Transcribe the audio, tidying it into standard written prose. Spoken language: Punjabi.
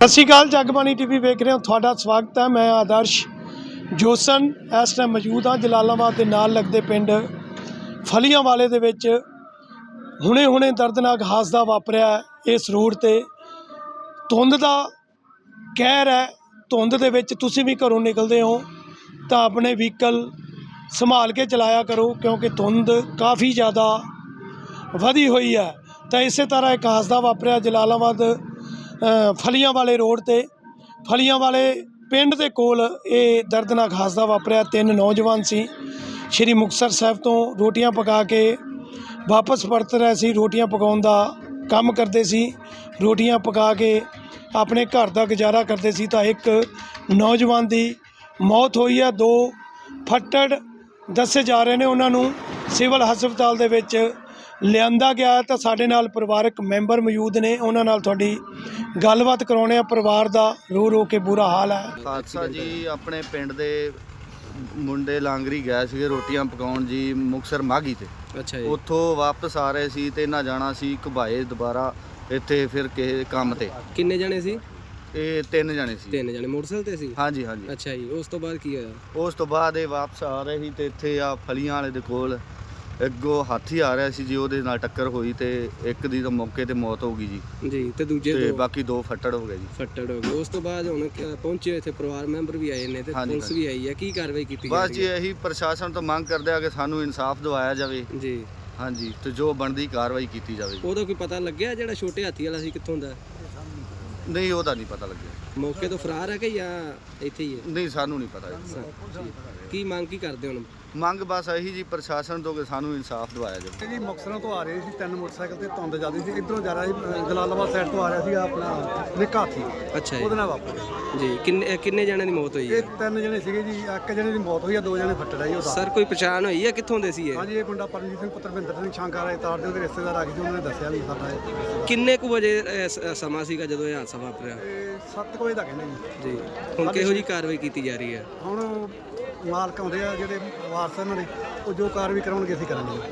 ਸਤਿ ਸ਼੍ਰੀ ਅਕਾਲ ਜਗਬਾਣੀ ਟੀਵੀ ਵੇਖ ਰਹੇ ਹੋ, ਤੁਹਾਡਾ ਸਵਾਗਤ ਹੈ। ਮੈਂ ਆਦਰਸ਼ ਜੋਸਨ ਇਸ ਟਾਈਮ ਮੌਜੂਦ ਹਾਂ ਜਲਾਲਾਬਾਦ ਦੇ ਨਾਲ ਲੱਗਦੇ ਪਿੰਡ ਫਲੀਆਂ ਵਾਲੇ ਦੇ ਵਿੱਚ। ਹੁਣੇ ਦਰਦਨਾਕ ਹਾਦਸਾ ਵਾਪਰਿਆ ਇਸ ਰੋਡ ਤੇ। ਧੁੰਦ ਦਾ ਕਹਿਰ ਹੈ। ਧੁੰਦ ਦੇ ਵਿੱਚ ਤੁਸੀਂ ਵੀ ਘਰੋਂ ਨਿਕਲਦੇ ਹੋ ਤਾਂ ਆਪਣੇ ਵਹੀਕਲ ਸੰਭਾਲ ਕੇ ਚਲਾਇਆ ਕਰੋ, ਕਿਉਂਕਿ ਧੁੰਦ ਕਾफ़ी ज़्यादा ਵਧੀ ਹੋਈ ਹੈ। ਤਾਂ ਇਸੇ ਤਰ੍ਹਾਂ ਇੱਕ ਹਾਦਸਾ ਵਾਪਰਿਆ ਜਲਾਲਾਬਾਦ ਫਲੀਆਂ ਵਾਲੇ ਰੋਡ ਤੇ। ਫਲੀਆਂ ਵਾਲੇ ਪਿੰਡ ਦੇ ਕੋਲ ਇਹ ਦਰਦਨਾਕ ਹਾਦਸਾ ਵਾਪਰਿਆ। ਤਿੰਨ ਨੌਜਵਾਨ ਸੀ, ਸ਼੍ਰੀ ਮੁਕਤਸਰ ਸਾਹਿਬ ਤੋਂ ਰੋਟੀਆਂ ਪਕਾ ਕੇ ਵਾਪਸ ਪਰਤ ਰਹੇ ਸੀ। ਰੋਟੀਆਂ ਪਕਾਉਣ ਦਾ ਕੰਮ ਕਰਦੇ ਸੀ, ਰੋਟੀਆਂ ਪਕਾ ਕੇ ਆਪਣੇ ਘਰ ਦਾ ਗੁਜ਼ਾਰਾ ਕਰਦੇ ਸੀ। ਤਾਂ ਇੱਕ ਨੌਜਵਾਨ ਦੀ ਮੌਤ ਹੋਈ ਹੈ। ਦੋ ਫੱਟੜ ਦੱਸੇ ਜਾ ਰਹੇ ਨੇ, ਉਹਨਾਂ ਨੂੰ ਸਿਵਲ ਹਸਪਤਾਲ ਦੇ ਵਿੱਚ ਲਿਆਂਦਾ ਗਿਆ। ਤਾਂ ਸਾਡੇ ਨਾਲ ਪਰਿਵਾਰਕ ਮੈਂਬਰ ਮੌਜੂਦ ਨੇ, ਉਹਨਾਂ ਨਾਲ ਤੁਹਾਡੀ ਗੱਲਬਾਤ ਕਰਾਉਣੇ ਆ। ਪਰਿਵਾਰ ਦਾ ਰੋ ਰੋ ਕੇ ਬੁਰਾ ਹਾਲ ਹੈ। ਹਾਦਸਾ ਜੀ ਆਪਣੇ ਪਿੰਡ ਦੇ ਮੁੰਡੇ ਲਾਂਗਰੀ ਗਏ ਸੀਗੇ ਰੋਟੀਆਂ ਪਕਾਉਣ ਜੀ, ਮੁਕਤਸਰ ਮਾਘੀ ਤੇ। ਅੱਛਾ ਜੀ। ਉੱਥੋਂ ਵਾਪਸ ਆ ਰਹੇ ਸੀ ਤੇ ਇਹਨਾਂ ਜਾਣਾ ਸੀ ਘੁਬਾਏ ਦੁਬਾਰਾ ਇੱਥੇ ਫਿਰ ਕਿਸੇ ਕੰਮ ਤੇ। ਕਿੰਨੇ ਜਣੇ ਸੀ? ਇਹ ਤਿੰਨ ਜਣੇ ਸੀ। ਤਿੰਨ ਜਣੇ ਮੋਟਰਸਾਈਕਲ ਤੇ ਸੀ? ਹਾਂਜੀ ਹਾਂਜੀ। ਅੱਛਾ ਜੀ, ਉਸ ਤੋਂ ਬਾਅਦ ਕੀ ਹੋਇਆ? ਉਸ ਤੋਂ ਬਾਅਦ ਇਹ ਵਾਪਸ ਆ ਰਹੇ ਸੀ ਤੇ ਇੱਥੇ ਆ ਫਲੀਆਂ ਵਾਲੇ ਦੇ ਕੋਲ ਅੱਗੋਂ ਹਾਥੀ ਆ ਰਿਹਾ ਸੀ ਜੀ, ਉਹਦੇ ਨਾਲ ਟੱਕਰ ਹੋਈ ਤੇ ਇੱਕ ਦੀ ਤਾਂ ਮੌਕੇ ਤੇ ਮੌਤ ਹੋ ਗਈ ਜੀ। ਜੀ, ਤੇ ਦੂਜੇ ਤੇ ਦੋ ਬਾਕੀ ਦੋ ਫੱਟੜ ਹੋ ਗਏ ਜੀ। ਫੱਟੜ ਹੋ ਗਏ। ਉਸ ਤੋਂ ਬਾਅਦ ਹੁਣ ਪਹੁੰਚੇ ਇੱਥੇ ਪਰਿਵਾਰ ਮੈਂਬਰ ਵੀ ਆਏ ਨੇ ਤੇ ਹਾਂਜੀ, ਪੁਲਿਸ ਵੀ ਆਈ ਹੈ। ਕੀ ਕਾਰਵਾਈ ਕੀਤੀ ਬਸ ਜਾ ਜੀ ਰਹੀ ਹੈ? ਇਹੀ ਪ੍ਰਸ਼ਾਸਨ ਤੋਂ ਮੰਗ ਕਰਦੇ ਆ ਕਿ ਸਾਨੂੰ ਇਨਸਾਫ ਦਿਵਾਇਆ ਜਾਵੇ। ਜੀ, ਹਾਂਜੀ, ਤੇ ਜੋ ਬਣਦੀ ਕਾਰਵਾਈ ਕੀਤੀ ਜਾਵੇ। ਉਹਦਾ ਕੋਈ ਪਤਾ ਲੱਗਿਆ ਜਿਹੜਾ ਛੋਟੇ ਹਾਥੀ ਵਾਲਾ ਸੀ ਕਿੱਥੋਂ ਦਾ? ਨਹੀਂ, ਉਹਦਾ ਨਹੀਂ ਪਤਾ ਲੱਗਿਆ। ਮੌਕੇ ਤੋਂ ਫਰਾਰ ਹੈ ਕਿ ਜਾਂ ਇੱਥੇ ਹੀ ਹੈ? ਨਹੀਂ, ਸਾਨੂੰ ਨਹੀਂ ਪਤਾ ਜੀ। ਕੀ ਮੰਗ ਕੀ ਕਰਦੇ ਹੁਣ? ਮੰਗ ਬਸ ਇਹੀ ਜੀ ਪ੍ਰਸ਼ਾਸਨ ਤੋਂ ਕਿ ਸਾਨੂੰ ਇਨਸਾਫ ਦਿਵਾਇਆ ਜਾਵੇ। ਜੀ ਮੁਕਤਸਰਾਂ ਤੋਂ ਆ ਰਹੇ ਸੀ, ਤਿੰਨ ਮੋਟਰਸਾਈਕਲ ਤੇ ਧੁੰਦ ਜ਼ਿਆਦਾ ਸੀ। ਇੱਧਰੋਂ ਜਾ ਰਿਹਾ ਸੀ ਜਲਾਲਾਬਾਦ ਸਾਈਡ ਤੋਂ ਆ ਰਿਹਾ ਸੀ ਆਪਣਾ ਨਿੱਕਾ ਹਾਥੀ, ਅੱਛਾ ਜੀ। ਉਹਦੇ ਨਾਲ ਵਾਪਰਿਆ ਜੀ, ਕਿੰਨੇ ਜਣਿਆਂ ਦੀ ਮੌਤ ਹੋਈ ਇਹ ਹੈ? ਤਿੰਨ ਜਣੇ ਸੀਗੇ ਜੀ। ਇੱਕ ਜਣੇ ਦੀ ਮੌਤ ਹੋਈ ਆ, ਦੋ ਜਣੇ ਫੱਟੜ ਆ ਜੀ ਉਹਦਾ। ਸਰ ਕੋਈ ਪਛਾਣ ਹੋਈ ਹੈ ਕਿੱਥੋਂ ਦੇ ਸੀ ਇਹ? ਹਾਂਜੀ, ਇਹ ਮੁੰਡਾ ਪਰਮਜੀਤ ਸਿੰਘ ਪੁੱਤਰ ਭਿੰਦਰ ਸਿੰਘ ਸ਼ਾਂਕਾਰ ਆਏ ਤਾਰ ਦੇ ਉਹਦੇ ਰਿਸ਼ਤੇਦਾਰ ਆ ਗਏ ਸੀ, ਉਹਨਾਂ ਨੇ ਦੱਸਿਆ ਵੀ ਸਾਡਾ ਇਹ ਕਿੰਨੇ ਕੁ ਵਜੇ ਸਮਾਂ ਸੀਗਾ ਜਦੋਂ ਇਹ ਹਾਦਸਾ ਵਾਪਰਿਆ? 7 ਵਜੇ ਦਾ ਕਹਿੰਦੇ ਜੀ। ਜੀ, ਹੁਣ ਕਿਹੋ ਜੀ ਕਾਰਵਾਈ ਕੀਤੀ ਜਾ ਰਹੀ ਹੈ? ਹੁਣ ਮਾਲਕ ਆਉਂਦੇ ਆ ਜਿਹੜੇ ਵਾਰਸ ਇਹਨਾਂ ਦੇ, ਉਹ ਜੋ ਕਾਰਵਾਈ ਕਰਾਉਣਗੇ ਅਸੀਂ ਕਰਾਂਗੇ।